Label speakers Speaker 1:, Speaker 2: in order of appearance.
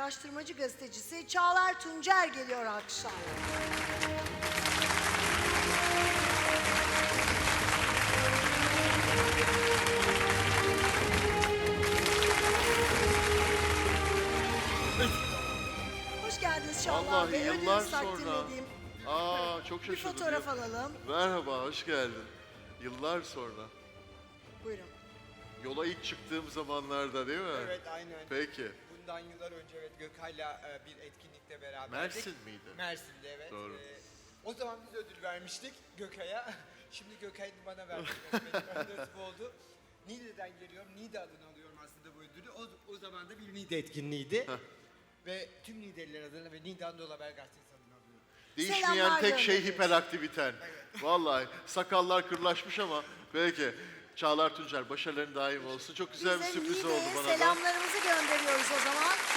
Speaker 1: araştırmacı gazetecisi Çağlar Tuncer geliyor alkışlarla. Hoş geldiniz Çağlar
Speaker 2: Vallahi
Speaker 1: Bey.
Speaker 2: yıllar
Speaker 1: Ödünüzü takdim
Speaker 2: sonra.
Speaker 1: edeyim.
Speaker 2: Çok
Speaker 1: Bir
Speaker 2: şaşırdım.
Speaker 1: fotoğraf alalım.
Speaker 2: Merhaba, hoş geldin. Yıllar sonra.
Speaker 1: Buyurun.
Speaker 2: Yola ilk çıktığım zamanlarda değil mi?
Speaker 3: Evet, aynen.
Speaker 2: Peki.
Speaker 3: Bundan yıllar önce evet Gökay'la bir etkinlikte beraberdik.
Speaker 2: Mersin miydi?
Speaker 3: Mersin'de evet.
Speaker 2: Doğru.
Speaker 3: O zaman biz ödül vermiştik Gökay'a. Şimdi Gökay'ın bana vermek nasip oldu. Niğde'den geliyorum. Niğde adını alıyorum aslında bu ödülü. O zaman da bir Niğde etkinliğiydi. Ve tüm Niğdeliler adına ve Niğde Anadolu Haber Gazetesi adına alıyorum.
Speaker 2: Değişmeyen
Speaker 1: Selamlar
Speaker 2: tek şey
Speaker 1: gönderiyoruz.
Speaker 2: hiperaktiviten. Vallahi sakallar kırlaşmış ama peki. Çağlar Tuncer, başarıların daim olsun. Çok güzel bir
Speaker 1: Biz de
Speaker 2: sürpriz oldu
Speaker 1: Niğde'ye
Speaker 2: bana da.
Speaker 1: selamlarımızı gönderiyoruz o zaman.